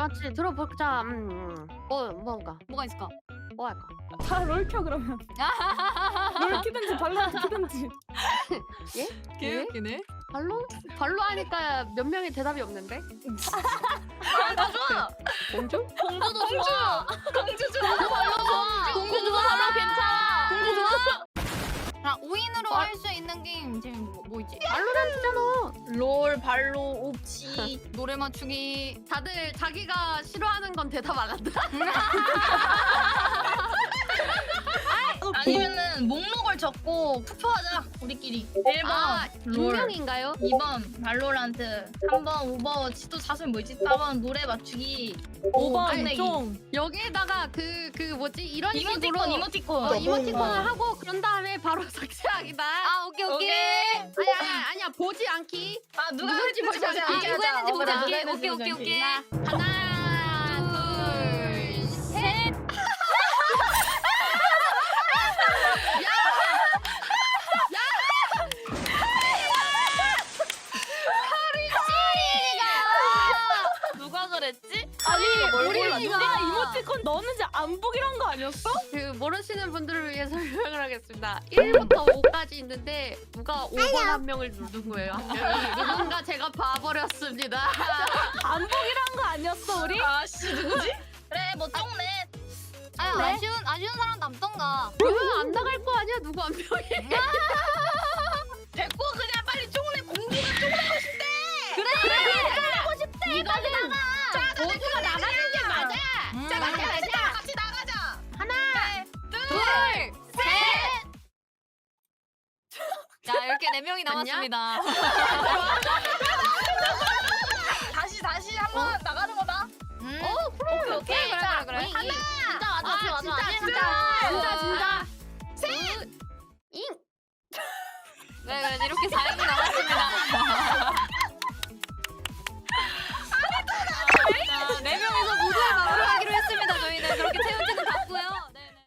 맞지. 들어보자. 뭔가. 뭐가 있을까? 뭐 할까? 다 롤켜 그러면. 롤 키든지 발로 키든지. 예? 개웃기네. 발로 하니까 몇 명이 대답이 없는데? 다 좋아. 공주? 공주도 좋아. 공주 좋아. 공주도 발로 괜찮아. 공주 좋아. 자, 5인으로 할 수 있는 게임 지금 뭐 있지? 발로란트잖아. 롤, 발로, 옵치. 노래 맞추기. 다들 자기가 싫어하는 건 대답 안 한다. 아니면은 목록을 적고 투표하자. 우리끼리. 1번 아, 롤. 익명인가요? 2번 발로란트. 3번 오버워치. 또 4번 뭐지? 4번 노래 맞추기. 5번 끝내기. 쫑. 여기에다가 그 뭐지 이런 식으로 이모티콘. 이모티콘을 하고 그런 다음에 바로 삭제하기다. 아, 오케이. 아니야 보지 않기. 아 누가 누구 했는지 보자. 보자. 아, 누구 했는지 보자. 누가 오케이, 했는지 오케이, 보자. 오케이. 하나, 둘, 셋. 누가 그랬지? 아니 뭘 우리 골라? 누가 이모티콘 넣었는지 안 보기로 한 거 아니었어? 그 모르시는 분들을 위해 설명을 하겠습니다. 1부터 5까지 있는데 누가 5번 한 명을 누른 거예요. 한 명이. 누군가 제가 봐버렸습니다. 안 보기로 한 거 아니었어 우리? 아씨 누구지? 그래 뭐 쫑네. 아유, 네? 아쉬운 사람 남던가. 그러면 안 나갈 거 아니야 누구 한 명이. 됐고 그냥 빨리 쫑네. 공주가 쫑내고 싶대. 이거는 모두가 나가는 게 맞아. 자 가자. 같이 나가자. 하나, 둘, 셋. 자, 이렇게 4명이 남았습니다. 다시 한번 나가는 거다. 오케이. 그래. 하나. 진짜. 그래, 이렇게 4명이 남았습니다.